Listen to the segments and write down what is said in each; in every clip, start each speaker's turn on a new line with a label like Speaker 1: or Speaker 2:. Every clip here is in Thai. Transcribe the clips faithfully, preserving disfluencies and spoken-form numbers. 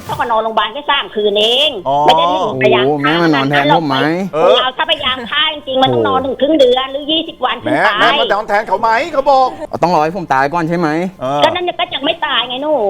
Speaker 1: เขาก็นอนโรงพยาบาลแค่สามคืนเองไม่ได้ถึงพยายาม
Speaker 2: แม่มานอนแทนผมไหม
Speaker 1: เราถ้าพยายามฆ่าจริงๆมันต้องนอนถึงครึ่งเดือนหรือยี่สิบวันถึงตาย
Speaker 3: แม่มานอนแทนเขาไหมเขาบอก
Speaker 2: ต้องรอให้ผมตายก่อนใช่ไหม
Speaker 1: ก็นั่นก็จะไม่ตายไงหนู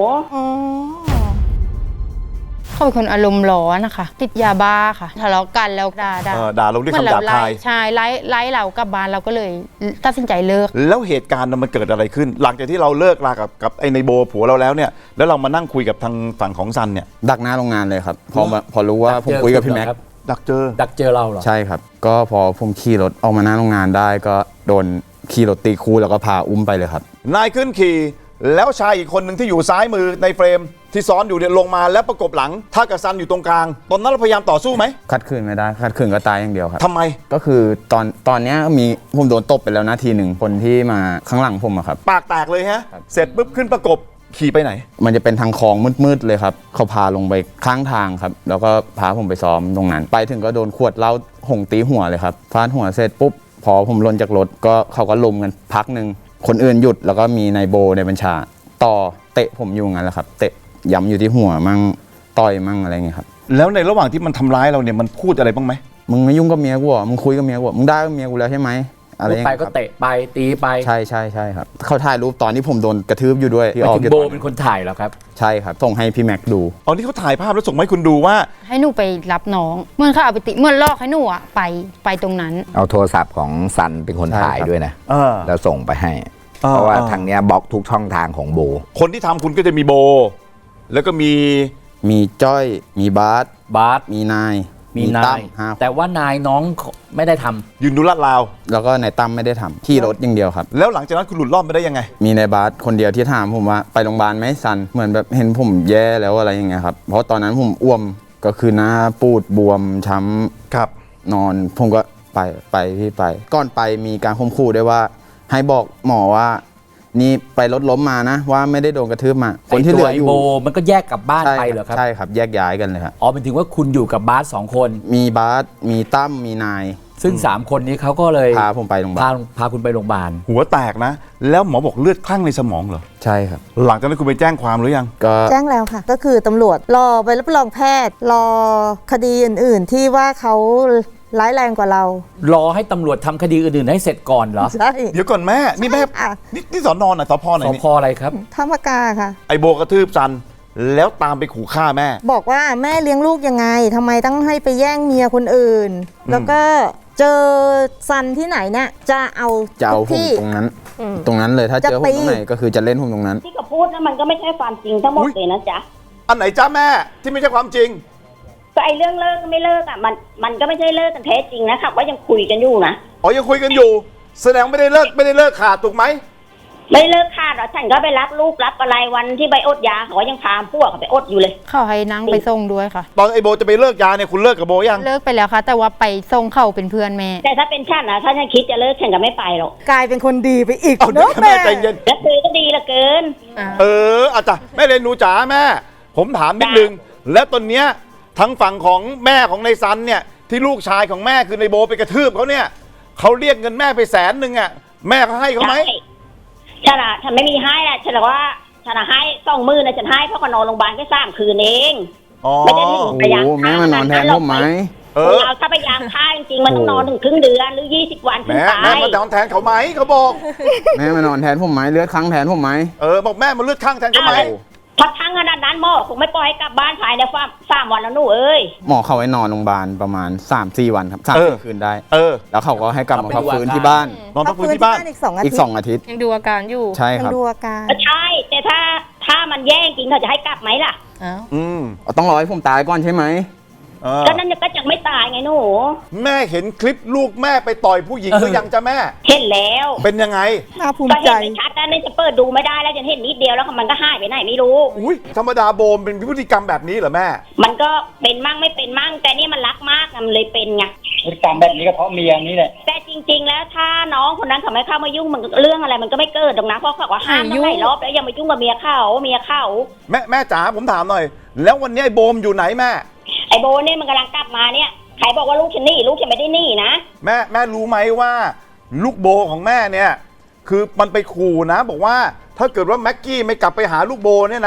Speaker 4: เขาเป็นคนอารมณ์ร้อนนะคะติดยาบ้าค่ะทะเลาะกันแล้วด่าด่า
Speaker 3: ด่าลงด้วยคำหยาบคาย
Speaker 4: ใช่ไล่ไล่เรากลับบ้านเราก็เลยตัดสินใจเลิก
Speaker 3: แล้วเหตุการณ์มันเกิดอะไรขึ้นหลังจากที่เราเลิกลากับกับไอ้ในโบผัวเราแล้วเนี่ยแล้วเรามานั่งคุยกับทางฝั่งของซันเนี่ย
Speaker 2: ดักหน้าโรงงานเลยครับพอพอรู้ว่าผมคุยกับพี่แม็ก
Speaker 3: ดักเจอ
Speaker 5: ดักเจอเราเหรอ
Speaker 2: ใช่ครับก็พอผมขี่รถออกมาหน้าโรงงานได้ก็โดนขี่รถตีคู่แล้วก็พาอุ้มไปเลยครับ
Speaker 3: นายขึ้นขี่แล้วชายอีกคนหนึ่งที่อยู่ซ้ายมือในเฟรมที่ซ้อนอยู่เนี่ยลงมาแล้วประกบหลังถ้ากับซันอยู่ตรงกลางตอนนั้นเราพยายามต่อสู้ไหม
Speaker 2: ขัดขืนไม่ได้ขัดขืนก็ตายอย่างเดียวครับ
Speaker 3: ทำไม
Speaker 2: ก็คือตอนตอนนี้มีผมโดนตบไปแล้วนาทีหนึ่งคนที่มาข้างหลังผมอะครับ
Speaker 3: ปากแตกเลยฮะเสร็จปุ๊บขึ้นประกบขี่ไปไหน
Speaker 2: มันจะเป็นทางคลองมืดๆเลยครับเขาพาลงไปข้างทางครับแล้วก็พาผมไปซ้อมตรงนั้นไปถึงก็โดนขวดเหล้าหงตีหัวเลยครับฟาดหัวเสร็จปุ๊บพอผมลงจากรถก็เขาก็ลุมกันพักหนึ่งคนอื่นหยุดแล้วก็มีนายโบในบัญชาต่อเตะผมอยู่งั้นแหละครับเตะย้ำอยู่ที่หัวมั่งต่อยมั่งอะไรเงี้ยครับ
Speaker 3: แล้วในระหว่างที่มันทำร้ายเราเนี่ยมันพูดอะไรบ้างไหม
Speaker 2: มึงไม่ยุ่งกับเมียกูอ่ะมึงคุยกับเมียกูมึงได้กับเมียกูแล้วใช่ไหม
Speaker 5: อะไรไปก็เตะไปตีไป
Speaker 2: ใช่ใช่ใช่ครับเขาถ่ายรูปตอนที่ผมโดนกระทืบอยู่ด้วย
Speaker 5: ที่ออกโบเป็นคนถ่ายแล้วครับ
Speaker 2: ใช่ครับส่งให้พี่แม็กดู
Speaker 3: อ๋อนี่เขาถ่ายภาพแล้วส่งให้คุณดูว่า
Speaker 4: ให้หนูไปรับน้องเมื่อเขาเอาไปติเมื่อลอกให้หนูอ่ะไปไปตรงนั้น
Speaker 6: เอาโทรศัพท์ของซันเป็นคนถ่ายด้วยนะแล้วส่งไปให้เพราะว่าทางเนี้ยบล็อกทุกช่องทางของโบ
Speaker 3: คนที่ทำคุณก็จะมีโบแล้วก็มี
Speaker 2: มีจ้อยมีบาส
Speaker 5: บาส
Speaker 2: มีนาย
Speaker 5: มีนายแต่ว่านายน้องไม่ได้ทำ
Speaker 3: ยืนดูลาดราว
Speaker 2: แล้วก็นายตั้มไม่ได้ทำขี่รถอย่างเดียวครับ
Speaker 3: แล้วหลังจากนั้นคุณหลุดรอดไปได้ยังไง
Speaker 2: มีนายบาสคนเดียวที่ถามผมว่าไปโรงพยาบาลไหมซันเหมือนแบบเห็นผมแย่แล้วอะไรอย่างเงี้ยครับเพราะตอนนั้นผมอ้วมก็คือหน้าปูดบวมช้
Speaker 3: ำครับ
Speaker 2: นอนผมก็ไปไปพี่ไปก่อนไปมีการข่มขู่ด้วยว่าให้บอกหมอว่านี่ไปรถล้มมานะว่าไม่ได้โดนกระทืบมา
Speaker 5: คนที่เหลืออยู่โบมันก็แยกกลับบ้านไปเหรอครับ
Speaker 2: ใช่ครับแยกย้ายกันเลยครับ
Speaker 5: อ๋อเป็นถึงว่าคุณอยู่กับบาสสองคน
Speaker 2: มีบาสมีตั้มมีนาย
Speaker 5: ซึ่งสามคนนี้เขาก็เลย
Speaker 2: พาผมไปโรงพยาบาล
Speaker 5: พาคุณไปโรงพยาบาล
Speaker 3: หัวแตกนะแล้วหมอบอกเลือดคลั่งในสมองเหรอ
Speaker 2: ใช่ครับ
Speaker 3: หลังจากนั้นคุณไปแจ้งความหรือยัง
Speaker 7: ก็แจ้งแล้วค่ะก็คือตำรวจรอไปรับรองแพทย์รอคดีอื่นๆที่ว่าเขาร้ายแรงกว่าเรา
Speaker 5: รอให้ตำรวจทำคดีอื่นๆให้เสร็จก่อนเหรอ
Speaker 7: ใช่
Speaker 3: เดี๋ยวก่อนแม่นี่แม่นี่นี่สอนอนอ่ะสพไหน
Speaker 5: สพอะไรครับ
Speaker 7: ธรรมกาค่ะ
Speaker 3: ไอโบกระทืบซันแล้วตามไปขู่ฆ่าแม่
Speaker 7: บอกว่าแม่เลี้ยงลูกยังไงทำไมต้องให้ไปแย่งเมียคนอื่นแล้วก็เจอซันที่ไหนเนี่ยจะเอา
Speaker 2: จะเอาผมตรงนั้นตรงนั้นเลยถ้าเจอผมตรงไหนก็คือจะเล่นผมตรงนั้น
Speaker 1: ที่เขาพูดนะมันก็ไม่ใช่ความจริงทั้งหมดเลยนะจ๊ะ
Speaker 3: อันไหนจ้าแม่ที่ไม่ใช่ความจริง
Speaker 1: ก็ไอเรื่องเลิกไม่เลิกอ่ะมันมันก็ไม่ใช่เลิกกันแท้จริงนะครับว่ายังคุยกันอยู่นะ
Speaker 3: อ๋อยังคุยกันอยู่แสดงไม่ได้เลิกไม่ได้เลิกขาดถูกไหม
Speaker 1: ไม่เลิกขาดหรอกฉันก็ไปรับลูกรับอะไรวันที่ไปอดยาเขายังพาพวกเขาไปอดอยู่เลย
Speaker 4: เขาให้นั่งไปส่งด้วยค่ะ
Speaker 3: ตอนไอโบจะไปเลิกยาเนี่ยคุณเลิกกับโบยัง
Speaker 4: เลิกไปแล้วค่ะแต่ว่าไปส่งเขาเป็นเพื่อนแม่
Speaker 1: แต่ถ้าเป็นฉันนะถ้าฉันคิดจะเลิกฉันก็ไม่ไปหรอก
Speaker 7: กลายเป็นคนดีไปอีก
Speaker 3: เนาะแม่ใจเย็น
Speaker 1: แล้วเธอก็ดีละเกิน
Speaker 3: เอออาจารย์แม่เรนูจ๋าแม่ผมถามนิดนึงแล้วตอนเนี้ยทั้งฝั่งของแม่ของในซันเนี่ยที่ลูกชายของแม่คือในโบไปกระทืบเขาเนี่ยเขาเรียกเงินแม่ไปแสนหนึ่งอ่ะแม่เขาให้เขาไหม
Speaker 1: ฉันอะฉันไม่มีให้นะฉันบอกว่าฉันให้สองมือนะฉันให้เพราะก็นอนโรงพยาบาลแค่สามคืนเองไม่ได้ถึงพยายาม
Speaker 2: ฆ่าแม่มานอนแทนผมไหม
Speaker 1: เออเราถ้าพยายามฆ่าจริงๆมันต้องนอนถึงครึ่งเดือนหรือยี่สิบวันถึงตาย
Speaker 3: แม่มานอนแทนเขาไหมเขาบอก
Speaker 2: แม่มานอนแทนผมไหมเลือดข้างแทนผมไหม
Speaker 3: เออบอกแม่มาเลือดข้างแทนเขาไหม
Speaker 1: พักทั้งขนาดนั้นหมอคงไม่ปล่อยให้กลับบ้านภายในฟาร์มสามวันแล้วหนูเอ้ย
Speaker 2: หมอเขาให้นอนโรงพยาบาลประมาณ สามสี่ วันครับสามคืนได้
Speaker 3: เออ
Speaker 2: แล้วเขาก็ให้กลับมาพักฟื้นที่บ้าน
Speaker 3: นอนพักฟื้นที่บ้าน
Speaker 7: อีกสองอาทิตย์
Speaker 2: อีกสองอาทิตย์
Speaker 4: ยังดูอาการอยู่
Speaker 2: ใช่ครับ
Speaker 7: ยังดูอาการ
Speaker 1: ใช่แต่ถ้าถ้ามันแย่จริงเขาจะให้กลับไหมล่ะ
Speaker 2: อืมต้องรอให้ผมตายก่อนใช่ไหม
Speaker 1: ก็นั่นก็จะไม่ตายไงหนู
Speaker 3: แม่เห็นคลิปลูกแม่ไปต่อยผู้หญิงหรือยังจ้ะแม่
Speaker 1: เห็นแล้ว
Speaker 3: เป็นยังไง
Speaker 7: น่าภูมิใจ
Speaker 1: ก็เห็นชัดแล้วนี่จะเปิดดูไม่ได้แล้วจะเห็นนิดเดียวแล้วมันก็หายไปไหนไม่รู้
Speaker 3: อุ้ยธรรมดาโบมเป็นพฤติกรรมแบบนี้เหรอแม่
Speaker 1: มันก็เป็นมั่งไม่เป็นมั่งแต่นี่มันรักมากมันเลยเป็นไง
Speaker 8: พฤติกรรมแบบนี้ก็เพราะเมียนี้แหละ
Speaker 1: แต่จริงๆแล้วถ้าน้องคนนั้นเขาไม่เข้ามายุ่งมันเรื่องอะไรมันก็ไม่เกิดหรอกนะเพราะเขาว่าห้ามตั้งหลายรอบแล้วอย่ามายุ่งกับเมียเขาเมียเขา
Speaker 3: แม่แม่จ๋าผมถามหน่อยแล้ววันนี้ไอ้โบมอยู่ไหนแม่
Speaker 1: ไอ้โบเนี่ยมันกำลังกลับมาเนี่ยใครบอกว่าลูกฉันหนีลูกฉันไม่ได้หนีนะ
Speaker 3: แม่แม่รู้ไหมว่าลูกโบของแม่เนี่ยคือมันไปขู่นะบอกว่าถ้าเกิดว่าแม็กกี้ไม่กลับไปหาลูกโบเนี่ยนะ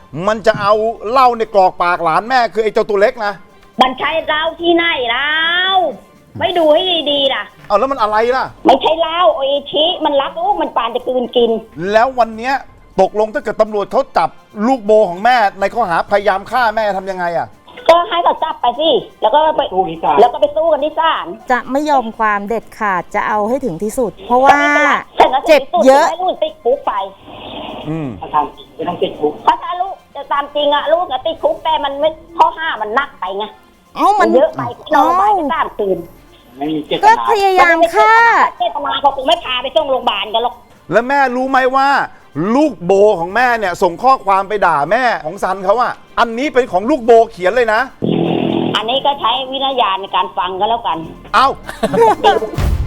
Speaker 3: มันจะเอาเหล้าในกรอกปากหลานแม่คือไอ้เจ้าตัวเล็กนะ
Speaker 1: มันใช่เหล้าที่ไหนแล้วไม่ดูให้ดีๆล่ะ
Speaker 3: เอาแล้วมันอะไรล่ะ
Speaker 1: ไม่ใช่เหล้าโออิชิมันรักลูกมันปานจะกลืนกิน
Speaker 3: แล้ววันเนี้ยตกลงถ้าเกิดตำรวจเขาจับลูกโบของแม่ในข้อหาพยายามฆ่าแม่ทำยังไงอ่ะ
Speaker 1: ก็ให้เขาจับไปสิแล้วก็ไป
Speaker 8: สู้ที่ศาล
Speaker 1: แล้วก็ไปสู้กันที่ศาล
Speaker 7: จะไม่ยอมความเด็ดขาดจะเอาให้ถึงที่สุด เพราะว่า
Speaker 1: แต่ก็
Speaker 7: เจ็บเยอะ
Speaker 1: ให้ลูกติดคุกไป
Speaker 3: อืม
Speaker 8: ถ้าทำจริงไม่ต้องติดคุก
Speaker 1: เพราะถ้าลูกจะตามจริงอะลูกอะติดคุกแต่มันไม่ข้อห้ามันหนักไปไง
Speaker 7: เอ้ามัน
Speaker 1: เยอะไปนอนไปก็สามคืน
Speaker 8: ไม่มีเจต
Speaker 7: ก็
Speaker 8: นา
Speaker 7: พยายามฆ่า
Speaker 1: เจตนาเขาคงไม่พาไปส่งโรงพยาบาลกันหรอก
Speaker 3: แล้วแม่รู้ไหมว่า ลูกโบของแม่เนี่ยส่งข้อความไปด่าแม่ของซันเขาอะอันนี้เป็นของลูกโบเขียนเลยนะ
Speaker 1: อันนี้ก็ใช้วิญญาณในการฟังก็แล้วกัน
Speaker 3: เอา